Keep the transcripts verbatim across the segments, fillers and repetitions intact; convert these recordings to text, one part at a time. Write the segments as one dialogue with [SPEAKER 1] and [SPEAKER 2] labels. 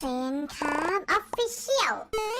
[SPEAKER 1] เซนครับออฟฟิเชียล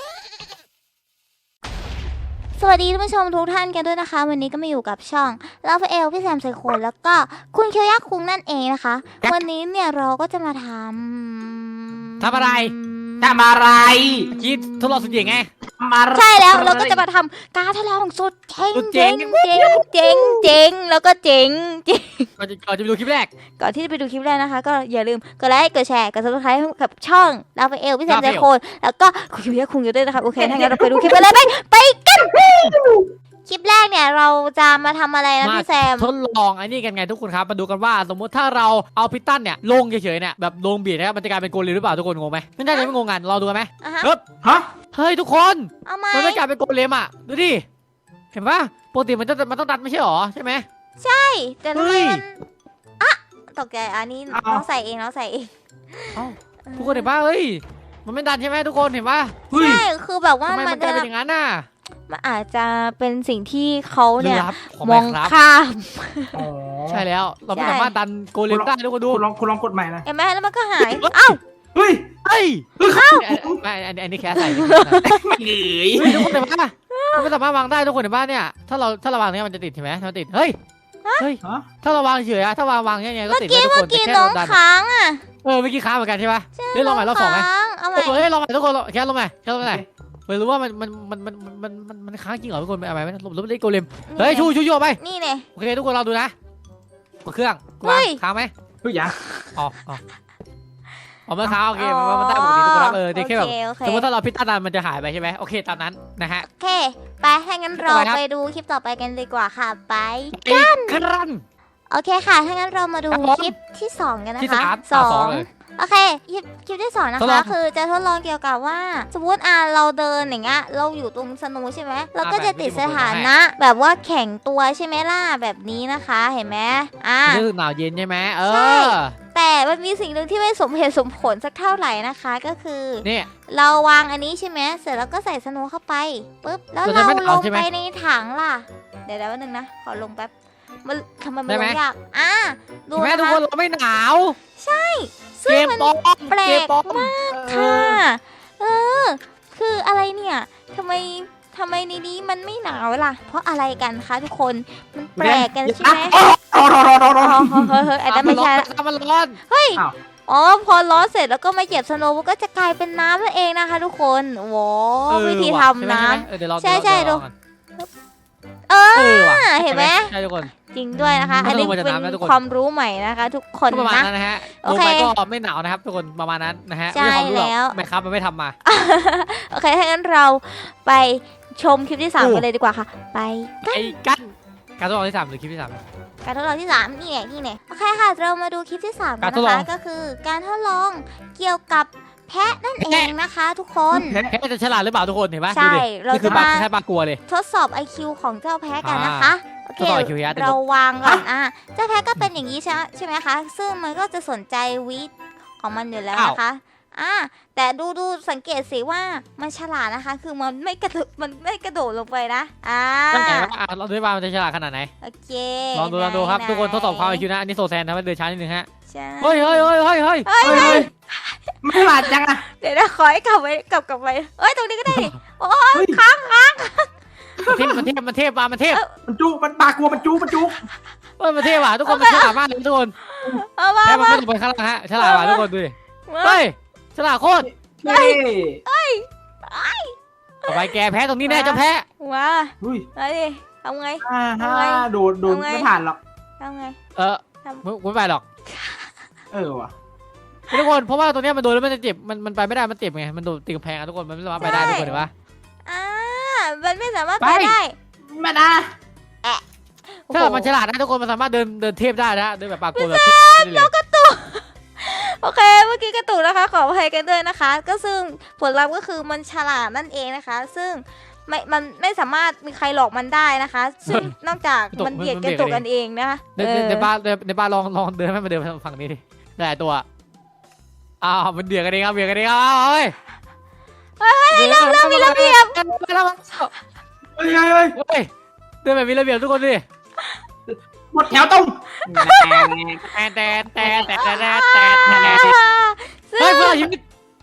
[SPEAKER 2] สวัสดีท่านผู้ชมทุกท่านกันด้วยนะคะวันนี้ก็มาอยู่กับช่องลาฟเอลพี่แซมไซโคนแล้วก็คุณเคียวยักษ์คุงนั่นเองนะคะวันนี้เนี่ยเราก็จะมาทำ
[SPEAKER 3] ทำอะไรทำอะไรคิดทดลองสุดเจ๋งไง
[SPEAKER 2] ใช่แล้วเราก็จะมาทำการทดลองสุดเจ๋งเจ๋งเจ๋งเจ๋งเจ๋งแล้วก็เจ๋งเจ๋ง
[SPEAKER 3] ก่อนจะก่อนจะไปดูคลิปแรก
[SPEAKER 2] ก่อนที่จะไปดูคลิปแรกนะคะก็อย่าลืมกดไลค์กดแชร์กดซับสไครต์กับช่องลาฟเอลพี่แซมไซโคนแล้วก็คุณเคียวยักษ์คุงอยู่ด้วยนะคะโอเคถ้างั้นเราไปดูคลิปกันเลยไปไปกันคลิปแรกเนี่ยเราจะมาทำอะไรนะพี่แซม
[SPEAKER 3] ทดลองไอ้นี่กันไงทุกคนครับมาดูกันว่าสมมติถ้าเราเอาพิตันเนี่ยลงเฉยๆเนี่ยแบบลงเบียดนะครับมันจะกลายเป็นโกเลมหรือเปล่าทุกคนงงไหมไม่ได้เลยไม่งงกันเราดูกันไหมเฮ้ยฮะเฮ้ยทุกคนมันไม่กลายเป็นโกเลมอ่ะดูดิเห็นปะปกติมันจะมันต้องดันไม่ใช่หรอใช่ไหม
[SPEAKER 2] ใช่แต่ทำไมมันอ่ะตกใจอันนี้น้องใส่เองน้องใส่เอง
[SPEAKER 3] ทุกคนเห็นปะเฮ้ยมันไม่ดันใช่ไหมทุกคนเห็นปะ
[SPEAKER 2] ใช่คือแบบว่า
[SPEAKER 3] มันจะเป็นอย่างนั้นน่ะ
[SPEAKER 2] มันอาจจะเป็นสิ่งที่เขาเนี่ยมองข้าม
[SPEAKER 3] ใช่แล้วเราไม่สามารถดันโกเลมได้ทุกคนดู
[SPEAKER 4] คุณลองคุณลองกดใหม่นะ
[SPEAKER 2] เห็นไหมแล้วมันก็หายอ้าว
[SPEAKER 4] เฮ้ย
[SPEAKER 3] เฮ้ยอ้าวไม่อันนี้แค่ใส่ไม่เหนื่อยทุกคนเห็นปะมันไม่สามารถวางได้ทุกคนเห็นปะเนี่ยถ้าเราถ้าเราวางเนี่ยมันจะติดใช่ไหมมันติดเฮ้ยเฮ้ยถ้าเราวางเฉยอะถ้าวางวางยังไงก็ติดได้ทุกคน
[SPEAKER 2] แต่แค่เราดันค้างอ่ะ
[SPEAKER 3] เออเมื่อกี้ค้างเหมือนกันใช่ปะเฮ้ยลองใหม่รอบสองไหมเฮ้ยลองใหม่ทุกคนแค่ลองใหม่แค่ลองใหม่ไม่รู้ว่ามันมันมันมันมันมันมันค้างจริงเหรอทุกคนไปอะไรไหมลบลบเล็กโกเลมเฮ้ยชูชูชูไป
[SPEAKER 2] นี่เนี่ย
[SPEAKER 3] โอเคทุกคนเราดูนะกดเครื่องวางค้างไหม
[SPEAKER 4] ทุกอย่าง
[SPEAKER 3] อ๋ออ๋ออ๋อมันค้างโอเคมันได้ปกติทุกคนเออแค่แบบสมมติถ้าเราพิจารณามันจะหายไปใช่ไหมโอเคตามนั้นนะฮะ
[SPEAKER 2] โอเคไปให้งั้นเราไปดูคลิปต่อไปกันดีกว่าค่ะไปกันโอเคค่ะถ้างั้นเรามาดูคลิปที่สองกันนะคะสองโอเคคลิปคลิปที่สองนะคะคือจะทดลองเกี่ยวกับว่าสมมติอ่ะเราเดินอย่างเงี้ยเราอยู่ตรงสนูใช่ไหมเราก็จะติดสถานะแบบว่าแข็งตัวใช่ไหมล่ะแบบนี้นะคะเห็นไหมอ่ะ
[SPEAKER 3] รู้สึกหนาวเย็นใช่ไหมเออ
[SPEAKER 2] แต่มันมีสิ่งหนึ่งที่ไม่สมเหตุสมผลสักเท่าไหร่นะคะก็คือ
[SPEAKER 3] เนี่ย
[SPEAKER 2] เราวางอันนี้ใช่ไหมเสร็จแล้วก็ใส่สนูเข้าไปปุ๊บแล้วเราลงไปในถังล่ะเดี๋ยวแป๊บนึงนะขอลงแป๊บมันทำไมมันลงยากอ่ะ
[SPEAKER 3] ดูนะคะทุกคนเราไม่หนาว
[SPEAKER 2] ใช่ซึ่งมันแปลกมากค่ะเออคืออะไรเนี่ยทำไมทำไมในนี้มันไม่หนาวล่ะเพราะอะไรกันคะทุกคนมันแปลกกันใช่ไหม
[SPEAKER 4] ร้อนร้อนร้อนร้อนร้อน
[SPEAKER 2] เฮ้ยเฮ้ยไอ้นั่นไม่ใช่
[SPEAKER 3] มันร้อน
[SPEAKER 2] เฮ้ยอ๋อพอร้อนเสร็จแล้วก็มาเหยียบสโนว์ก็จะกลายเป็นน้ำนั่นเองนะคะทุกคนโว้วิธีทำน้ำใช่ใช่ดูเออเห็นไหม
[SPEAKER 3] ใช่ทุกคน
[SPEAKER 2] จริงด้วยนะคะอันนี้เป็นความรู้ใหม่นะคะทุกคน
[SPEAKER 3] ประมาณนั้นนะฮะโอเคก็ไม่หนาวนะครับทุกคนประมาณนั้นนะฮะ
[SPEAKER 2] ใช่แล้ว
[SPEAKER 3] ไม่ครับมันไม่ทำมา
[SPEAKER 2] โอเคถ้างั้นเราไปชมคลิปที่สามกันเลยดีกว่าค่ะไป
[SPEAKER 3] กันการทดลองที่สามหรือคลิปที่สาม
[SPEAKER 2] การทดลองที่สามนี่แหละนี่แหละโอเคค่ะเรามาดูคลิปที่สามกันนะคะก็คือการทดลองเกี่ยวกับแพะนั่นเองนะคะทุกคน
[SPEAKER 3] แพะจะฉลาดหรือเปล่าทุกคนเห็นไหม
[SPEAKER 2] ใช่เราจะมา
[SPEAKER 3] แค่ปากลัวเลย
[SPEAKER 2] ทดสอบ ไอ คิว ของเจ้าแพะกันนะคะโอเคเราวางก่อนอ่ะเจ้าแพะก็เป็นอย่างนี้ใช่ใช่ไหมคะซึ่งมันก็จะสนใจวิทของมันอยู่แล้วนะคะอ่าแต่ดูดูสังเกตสิว่ามันฉลาดนะคะคือมันไม่กระโดดมันไม่กระโดดลงไปนะอ่า
[SPEAKER 3] เราดูว่ามันจะฉลาดขนาดไหน
[SPEAKER 2] โอเค
[SPEAKER 3] ลองดูลองดูครับทุกคนทดสอบความ ไอ คิว นะอันนี้โซแซนทำให้เดินช้านิดนึงฮะ
[SPEAKER 2] ใช่
[SPEAKER 3] เฮ้ยเฮ้ยเฮ้ยเฮ้ยเฮ้ย
[SPEAKER 2] เฮ้ย
[SPEAKER 4] ไม่ฉลาดจังอะ
[SPEAKER 2] เดี๋ยวนะขอให้กลับไปกลับกลับไปเอ้ยตรงนี้ก็ได้โอ้ยค้างค้าง
[SPEAKER 3] มันเทพมันเทพมันเทพมามันเทพ
[SPEAKER 4] มันจูมันปากกลัวมันจูมันจู
[SPEAKER 3] เฮ้ยมันเทพว่ะทุกคนมันฉลาดมากเลยทุกคนแค่มันไม่ลงไปข้างล่างฮะฉลาดว่ะทุกคนดูดิเฮ้ยฉลาดโคตร
[SPEAKER 4] เฮ้ย
[SPEAKER 2] เฮ้ย
[SPEAKER 3] ต่อไปแกแพ้ตรงนี้แน่จะแพ้
[SPEAKER 2] ว้าอะไรดิทำไง
[SPEAKER 4] ทำไงโดดโดดไม่ผ่านหรอก
[SPEAKER 2] ทำไง
[SPEAKER 3] เออไม่ไปหรอก
[SPEAKER 4] เออว่ะ
[SPEAKER 3] ทุกคนเพราะว่าตรงนี้มันโดนแล้วมันจะเจ็บมันมันไปไม่ได้มันเจ็บไงมันโดนตีกำแพงทุกคนมันไม่สามารถไปได้ทุกคนเห็นปะ
[SPEAKER 2] อ่ามันไม่สามารถไปได้
[SPEAKER 4] มานะ
[SPEAKER 3] ถ้ามันฉลาดนะทุกคนมันสามารถเดินเดินเทพได้นะเดินแบบปากโกนแบบ
[SPEAKER 2] เรากระตุกโอเคเมื่อกี้กระตุกนะคะขออภัยกันด้วยนะคะก็ซึ่งผลลัพธ์ก็คือมันฉลาดนั่นเองนะคะซึ่งไม่มันไม่สามารถมีใครหลอกมันได้นะคะซึ่งนอกจากมันเบียดกระตุกกันเองนะคะ
[SPEAKER 3] ในบ้านในบ้านลองลองเดินให้มันเดินฝั่งนี้ดิได้ตัวอ้าวมันเบียดกันเองครับเบียดกันเองครับเฮ้ย
[SPEAKER 2] เฮ้ยเริ่มเริ่มมีระเบียบ
[SPEAKER 4] เฮ้ยเฮ้ยเฮ้ย
[SPEAKER 3] เดินแบบมีระเบียบทุกคนดิ
[SPEAKER 4] หมดแถวตรง
[SPEAKER 3] แต่แต่แต่แต่แต่แต่แต่เฮ้ยเพื่อนชีวิต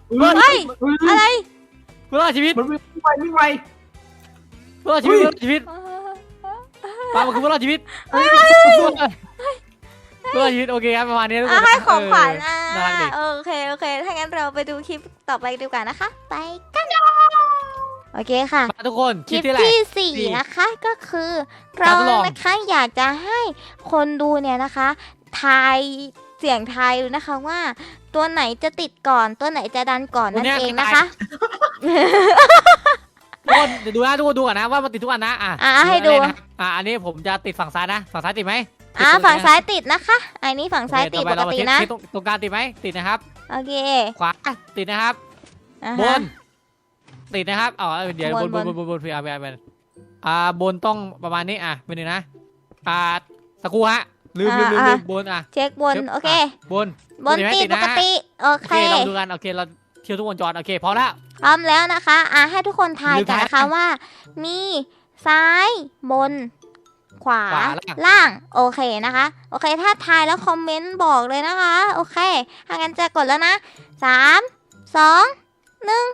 [SPEAKER 2] เฮ้ยอะไร
[SPEAKER 3] เพื่อรอดชีวิต
[SPEAKER 4] มันวิ่งไววิ่งไว
[SPEAKER 3] เพื่อรอดชีวิตเพื่อรอดชีวิตปามันคือเพื่อรอดชีวิตเพื่อรอดชีวิตโอเคครับประมาณนี้ทุกค
[SPEAKER 2] อ่ะ
[SPEAKER 3] น
[SPEAKER 2] ให้ของขวัญ
[SPEAKER 3] เอ
[SPEAKER 2] อ่ะ
[SPEAKER 3] อน่ารักดี
[SPEAKER 2] โอเคโอเคถ้างั้นเราไปดูคลิปต่อไปดีกว่านะคะ ไปกันโอเคค่ะ
[SPEAKER 3] มาทุกคน
[SPEAKER 2] ค
[SPEAKER 3] คลิ
[SPEAKER 2] ลิ
[SPEAKER 3] ป
[SPEAKER 2] ป
[SPEAKER 3] ที่ไร
[SPEAKER 2] ที่สี่
[SPEAKER 3] สี่
[SPEAKER 2] นะคะก็คือ
[SPEAKER 3] กา
[SPEAKER 2] เรา
[SPEAKER 3] รทดลอง
[SPEAKER 2] นะคะอยากจะให้คนดูเนี่ยนะคะทายเสียงทายดูนะคะว่า ตัวไหนจะติดก่อนตัวไหนจะดันก่อนนั่นเองนะคะ
[SPEAKER 3] ทุกคนเดี๋ยวดูนะทุกคนดูก่อนนะว่ามันติดทุกอันนะอ่ะ
[SPEAKER 2] อ่ะให้ดู
[SPEAKER 3] นะอ่ะอันนี้ผมจะติดฝั่งซ้ายนะฝั่งซ้ายติดไหม
[SPEAKER 2] อ่าฝั่งซ้ายติดนะคะอันนี้ฝั่งซ้ายติด
[SPEAKER 3] โอ
[SPEAKER 2] ป
[SPEAKER 3] เค
[SPEAKER 2] ก
[SPEAKER 3] ต่อไป
[SPEAKER 2] ติ
[SPEAKER 3] เรามา
[SPEAKER 2] นะ
[SPEAKER 3] เช็คตรงตรงกลางติดไหมติดนะครับ
[SPEAKER 2] โอเค
[SPEAKER 3] ขวาติดนะครับ
[SPEAKER 2] อ่า
[SPEAKER 3] บ
[SPEAKER 2] ฮะ
[SPEAKER 3] นติดนะครับอ๋อเดี๋ยวบบ น
[SPEAKER 2] น
[SPEAKER 3] บบ น
[SPEAKER 2] น
[SPEAKER 3] บนบนบนพี่อาร์พี่อาร์อ่าบนต้องประมาณนี้อ่ะเป็นหนึ่งนะอ่าตะกูฮะลืมลืมลืมลืมบนอ่ะ
[SPEAKER 2] เช็คบนโอเค
[SPEAKER 3] บน
[SPEAKER 2] บนติดปกติโอ
[SPEAKER 3] โอ
[SPEAKER 2] เค
[SPEAKER 3] เคเราดูกันโอเคเราเที่ยวทุกวงจรโอเคพอแล้ว
[SPEAKER 2] พร้อมแล้วนะคะอ่าให้ทุกคนทายกันนะคะ
[SPEAKER 3] ลืมทาย
[SPEAKER 2] ว่า มีซ้ายบน ขวา
[SPEAKER 3] ขวาล่าง
[SPEAKER 2] ล่างโอเคนะคะโอเคถ้าทายแล้วคอมเมนต์บอกเลยนะคะโอเคถ้างั้นจะกดแล้วนะสามสองหนึ่ง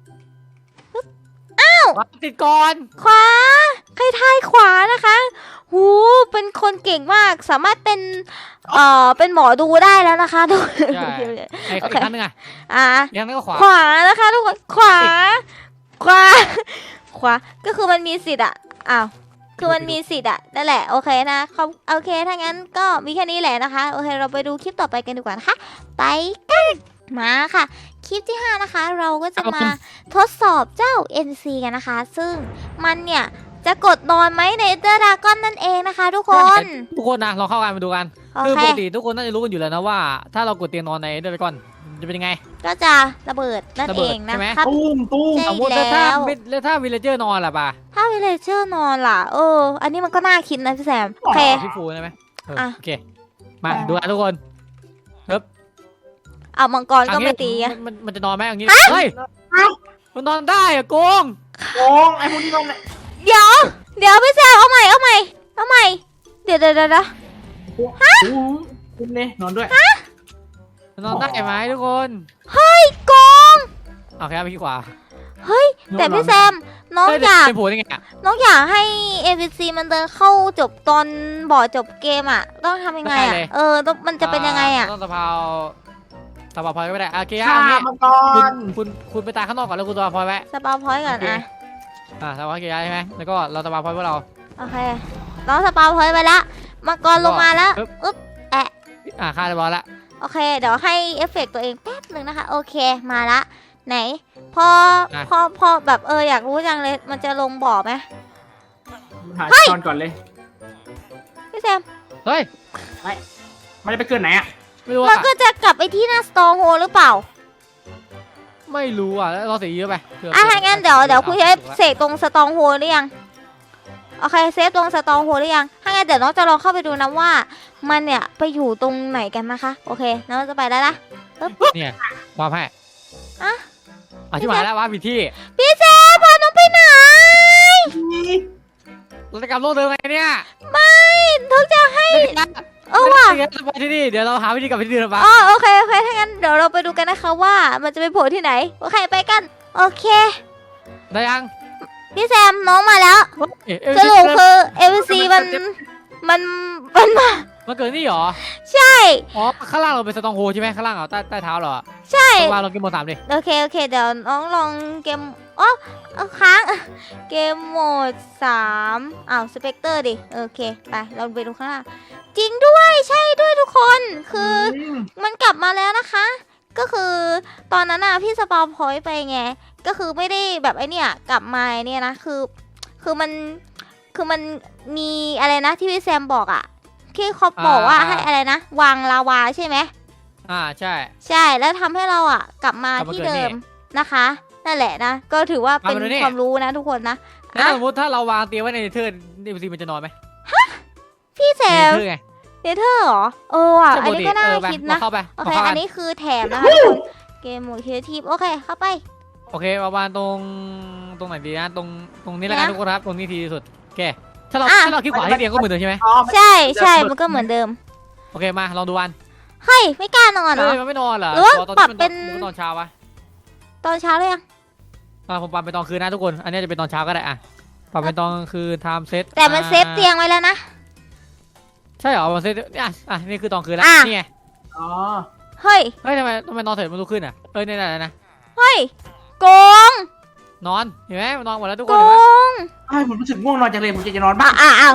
[SPEAKER 3] ขวาติดก่อน
[SPEAKER 2] ขวาใครทายขวานะคะหูเป็นคนเก่งมากสามารถเป็นเอ่อเป็นหมอดูได้แล้วนะคะทุกคน
[SPEAKER 3] ใช่ไอ้
[SPEAKER 2] โอ
[SPEAKER 3] อี
[SPEAKER 2] เค
[SPEAKER 3] กครั้งหนึงอ่ะ
[SPEAKER 2] อ่า
[SPEAKER 3] อีกครั้งหนึงก็ขวา
[SPEAKER 2] ขวานะคะทุกคนขวาขวาขวาก็คือมันมีสิทธิ์อะอ้าวคือมันมีสิทธิ์อะนั่นแหละโอเคนะเขาโอเคถ้างั้นก็มีแค่นี้แหละนะคะโอเคเราไปดูคลิปต่อไปกันดีกว่านะคะไปกันมาค่ะ คลิปที่ห้านะคะ เราก็จะมาทดสอบเจ้า เอ็น ซี กันนะคะ ซึ่งมันเนี่ยจะกดนอนไหมในเดอร์ดากอนนั่นเองนะคะ ทุกคน
[SPEAKER 3] ทุกคนนะลองเข้ากันมาดูกัน
[SPEAKER 2] โอ
[SPEAKER 3] คือ
[SPEAKER 2] เค
[SPEAKER 3] ปกติทุกคนน่าจะรู้กันอยู่แล้วนะว่า ถ้าเรากดเตียงนอนในเดอร์ก่อนจะเป็นยังไง
[SPEAKER 2] ก็จะระเบิดนั่น
[SPEAKER 3] ระเบิ
[SPEAKER 2] เอ
[SPEAKER 3] ด
[SPEAKER 2] ง
[SPEAKER 3] ใช่ไหม
[SPEAKER 2] นะครับ
[SPEAKER 4] ตุ้มตุ้ม
[SPEAKER 2] ใช่
[SPEAKER 3] สมมติแล้วถ้า
[SPEAKER 2] แล้ว
[SPEAKER 3] แล้วถ้าวิลเลเจอร์นอนล่ะป่ะ
[SPEAKER 2] ถ้าวิเลเจอร์นอนล่ะเอออันนี้มันก็น่าคิดนะพี่แซมโอเค
[SPEAKER 3] พี่ฟูใช่ไหมเออ
[SPEAKER 2] อ่ะ
[SPEAKER 3] โอเคมาดูกันทุกคน
[SPEAKER 2] เอามังกรก็
[SPEAKER 3] อันนี้
[SPEAKER 2] ไม่ตีอะ
[SPEAKER 3] มันมันมันจะนอนไหมอย่างนี้เฮ้ยมันนอนได้อะโกง
[SPEAKER 4] โกงไอ้พวกนี้โกงเนี่ย
[SPEAKER 2] เดี๋ยว เดี๋ยวพี่แซมเอาใหม่เอาใหม่เอาใหม่เดี๋ยวเดี๋ยวเดี๋ยวเดี๋ยว
[SPEAKER 4] โอ้โหคุณเนี่ยนอนด้วย
[SPEAKER 3] มันนอนได้ไหมทุกคน
[SPEAKER 2] โกง
[SPEAKER 3] โอเคไปที่ขวา
[SPEAKER 2] เฮ้ยแต่พี่แซมน้อง
[SPEAKER 3] เฮ้ย
[SPEAKER 2] อยาก
[SPEAKER 3] เป็นผัวยังไงอะ
[SPEAKER 2] น้องอยากให้ เอ็น พี ซี มันเดินเข้าจบตอนบ่อจบเกมอ่ะ ต้องทำยังไงอ่ะ เออต้องมันจะเป็นยังไงอ่ะ
[SPEAKER 3] ต้องสะเพาสะเพาพลอยก็ไม่ได้โอเค
[SPEAKER 4] ฆ่า
[SPEAKER 3] อันนี้
[SPEAKER 4] มังก
[SPEAKER 3] คุณ
[SPEAKER 4] ร
[SPEAKER 3] คุณคุณไปตายข้างนอกก่อนแล้วคุณสะเพาพลอยไว้
[SPEAKER 2] สปาพอยต์ก่อน
[SPEAKER 3] โอเค
[SPEAKER 2] อ่ะ
[SPEAKER 3] อ่าสะเพาเกียร์ใช่ไหมแล้วก็เราสะเพาพลอยพวกเรา
[SPEAKER 2] โอเคน้องสปาพอยต์ไปละมังกรลงมาแล้ว
[SPEAKER 3] ปึ๊บ
[SPEAKER 2] อึ๊บ
[SPEAKER 3] อ่าฆ่าเรียบร้อยละ
[SPEAKER 2] โอเค เดี๋ยวให้เอฟเฟกต์ตัวเองแป๊บหนึ่งนะคะ โอเคมาละ ไหน พอพอพอแบบเอออยากรู้จังเลยมันจะลงบ่อไหม
[SPEAKER 4] หาตอนก่อนเลย
[SPEAKER 2] พี่แซม
[SPEAKER 3] เฮ้ย
[SPEAKER 4] มันจะไปเกินไหนอ่ะ
[SPEAKER 3] ไม่รู้
[SPEAKER 2] มัน
[SPEAKER 3] อ่ะ
[SPEAKER 2] ก็จะกลับไปที่หน้าสตองโฮหรือเปล่า
[SPEAKER 3] ไม่รู้อ่ะแล้วเราเสียเยอะไปเผื่
[SPEAKER 2] อ่ะถ้างั้นเดี๋ยวเดี๋ยวคุณใช้
[SPEAKER 3] อา
[SPEAKER 2] เสกตรงสตองโฮหรือยังโอเคเซฟตรงสตองโฮหรือยังถ้างั้นเดี๋ยวน้องจะลองเข้าไปดูนะว่า มันเนี่ยไปอยู่ตรงไหนกันนะคะ โอเคน้องจะไปแล้วนะ
[SPEAKER 3] เนี่ยความให้
[SPEAKER 2] อะ
[SPEAKER 3] อธิบายแล้วว่าผิดที่
[SPEAKER 2] พี่เซฟพาน้องไปไหน
[SPEAKER 3] เราจะกลับโลกเดิมไงเนี่ย
[SPEAKER 2] ไม่ทุกจะให้
[SPEAKER 3] ไม่ได้
[SPEAKER 2] เออว่ะ
[SPEAKER 3] ไม่ได้สบายที่นี่เดี๋ยวเราหาวิธีกลับไปที่เดิมปะ
[SPEAKER 2] อ๋อโอเคโอเคถ้างั้นเดี๋ยวเราไปดูกันนะคะว่ามันจะไปโผล่ที่ไหนโอเคไปกันโอเค
[SPEAKER 3] ได้ยัง
[SPEAKER 2] พี่แซมน้องมาแล้ว
[SPEAKER 3] เอ๊ะเอ๊ะ
[SPEAKER 2] สรุปคือเอฟซีมันมันมันมา
[SPEAKER 3] มันเกิดนี่เหรอ
[SPEAKER 2] ใช่
[SPEAKER 3] อ๋อข้างล่างเราเป็นสตองโฮใช่ไหมข้างล่างเหรอใต้ใต้เท้าเหรอ
[SPEAKER 2] ใช่
[SPEAKER 3] ข้างล่างเราเกมโหมดสามดิ
[SPEAKER 2] โอเคโอเคเดี๋ยวน้องลองเกมอ๋อเอาค้างเกมโหมดสามอ้าวสเปกเตอร์ดิโอเคไปเราไปดูข้างล่างจริงด้วยใช่ด้วยทุกคนคือมันกลับมาแล้วนะคะ ก็คือตอนนั้นน่ะพี่สปาพอยต์ไปไงก็คือไม่ได้แบบไอเนี่ยกลับมาไอ้เนี่ยนะคือคือมันคือมันมีอะไรนะที่พี่แซมบอกอะที่เขาบอกว่าให้อะไรนะวางลาวาใช่ไหม
[SPEAKER 3] อ่าใช่
[SPEAKER 2] ใช่แล้วทำให้เราอะกลับมาก
[SPEAKER 3] ลับมา
[SPEAKER 2] ที่
[SPEAKER 3] เกิด
[SPEAKER 2] เดิ
[SPEAKER 3] นี่
[SPEAKER 2] มนะคะนั่นแหละนะก็ถือว่าเป็น
[SPEAKER 3] มาดูนี่
[SPEAKER 2] ความรู้นะทุกคนนะ
[SPEAKER 3] แล้ว
[SPEAKER 2] อ่ะ
[SPEAKER 3] สมมติถ้าเราวางเตียงไว้ในเนเธอร์เนเธอร์มันจะนอนไหม
[SPEAKER 2] พี่แซ
[SPEAKER 3] เน
[SPEAKER 2] ม
[SPEAKER 3] เธอร์ไง
[SPEAKER 2] เนเธอร์เหรอเออว่ะ
[SPEAKER 3] ใช่
[SPEAKER 2] อันนี้ก็น่า
[SPEAKER 3] ปติเออไป
[SPEAKER 2] คิด
[SPEAKER 3] เรา
[SPEAKER 2] นะ
[SPEAKER 3] เข้าไป
[SPEAKER 2] โอเค
[SPEAKER 3] ราข้า
[SPEAKER 2] อั
[SPEAKER 3] กัน
[SPEAKER 2] นี้คือแถมนะคะทุกคนเกมโหมดครีเอทีฟโอเคเข้าไป
[SPEAKER 3] โอเคประมาณตรงตรงไหนดีนะตรงตรงนี้แล้วกัน
[SPEAKER 2] นะ
[SPEAKER 3] ทุกคนครับตรงนี้ทีที่สุดโอเคถ้าเรา
[SPEAKER 2] อ่ะ
[SPEAKER 3] ถ้าเราคลิกขวาที่เตียงก็เหมือนเดิมใช่ไหม
[SPEAKER 4] อ๋อ
[SPEAKER 2] ใช่ใช่มันก็เหมือนเดิม
[SPEAKER 3] โอเคมาลองดูวัน
[SPEAKER 2] เฮ้ยไม่กล้านอนเหรอ
[SPEAKER 3] เฮ้ยมันไม่นอนเหรอ
[SPEAKER 2] หรือว่า
[SPEAKER 3] ตอน
[SPEAKER 2] ปรับ
[SPEAKER 3] ที่มัน
[SPEAKER 2] เป็น
[SPEAKER 3] มันนอนเช้าวะ
[SPEAKER 2] ตอนเช้าเลยยัง
[SPEAKER 3] อ่ะผมปรับเป็นตอนคืนนะทุกคนอันนี้จะเป็นตอนเช้าก็ได้อ่ะปรับเป็นตอนคืนไทม์เซต
[SPEAKER 2] แต่มันเซฟเตียงไว้แล้วนะ
[SPEAKER 3] ใช่เหรอมันเซตอ่ะอ่ะนี่คือตอนคืนแล้ว
[SPEAKER 2] อ่ะ
[SPEAKER 3] นี่ไง
[SPEAKER 4] อ๋อ
[SPEAKER 2] เฮ้ย
[SPEAKER 3] เฮ้ยทำไมทำไมนอนเสร็จมันลุกขึ้นอ่ะเอ้ยนี่แหละนะ
[SPEAKER 2] เฮ้ยโกง
[SPEAKER 3] นอนเห็นไหมมันนอนหมดแล้วทุกค
[SPEAKER 2] โก
[SPEAKER 3] นเห็นไหม
[SPEAKER 2] ง
[SPEAKER 4] ไอ้ผมรู้สึกง่วงนอนจังเลยผมจะจะนอนบ้า
[SPEAKER 2] อ่ะอ่ะอ้าว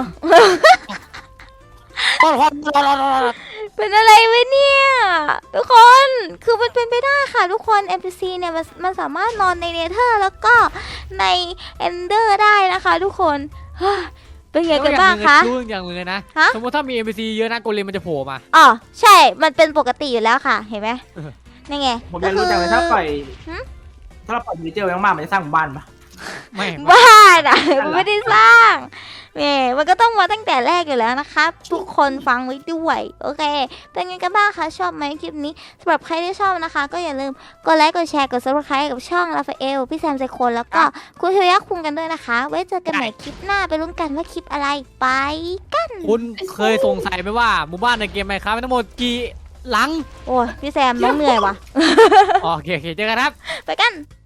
[SPEAKER 3] นอนนอนนอนนอนนอน
[SPEAKER 2] เป็นอะไรวะเนี่ย ทุกคน คือมันเป็นไปได้ค่ะทุกคน เอ็น พี ซี เนี่ยมันมันสามารถนอนในเนเธอร์แล้วก็ในเอนเดอร์ได้นะคะทุกคนเฮ้ยเป็นไงกันบ้างคะ
[SPEAKER 3] รู้อย่างหนึงเลยนะ
[SPEAKER 2] ฮะ
[SPEAKER 3] สมมติถ้ามี เอ็น พี ซี เยอะนะโกเลมมันจะโผล่มา
[SPEAKER 2] อ๋อใช่ มันเป็นปกติอยู่แล้วค่ะ เห็นไหม
[SPEAKER 3] เออ
[SPEAKER 2] นี่ไง
[SPEAKER 4] ผมยังรู้จังเลยถ้าปล่อย
[SPEAKER 2] หึ
[SPEAKER 4] ถ้าเราปล่อยมินิเจอร์ไว้มากๆมันจะสร้างหมู่บ้านปะ
[SPEAKER 3] ไม่
[SPEAKER 2] บ้าอ่ะมันไม่ได้สร้างแหมมันก็ต้องมาตั้งแต่แรกอยู่แล้วนะครับ ทุกคนฟังไว้ด้วย โอเค เป็นไงกันบ้างคะ ชอบไหมคลิปนี้สำหรับใครที่ชอบนะคะ ก็อย่าลืมกดไลค์ กดแชร์ กด ซับสไครบ์ กับช่องราฟาเอล พี่แซมไซโคนแล้วก็คุณเฮียคุงกันด้วยนะคะ ไว้เจอกันใหม่คลิปหน้าไปลุ้นกันว่าคลิปอะไรไป
[SPEAKER 3] คุณเคยสงสัยไหมว่าหมู่บ้านในเกมไมค์ครับทั้งหมดกี่หลัง
[SPEAKER 2] โอ้ยพี่แซมน้องเหนื่อยว่ะ
[SPEAKER 3] อ๋อโอเคโอเคเจอกันครับ
[SPEAKER 2] ไปกัน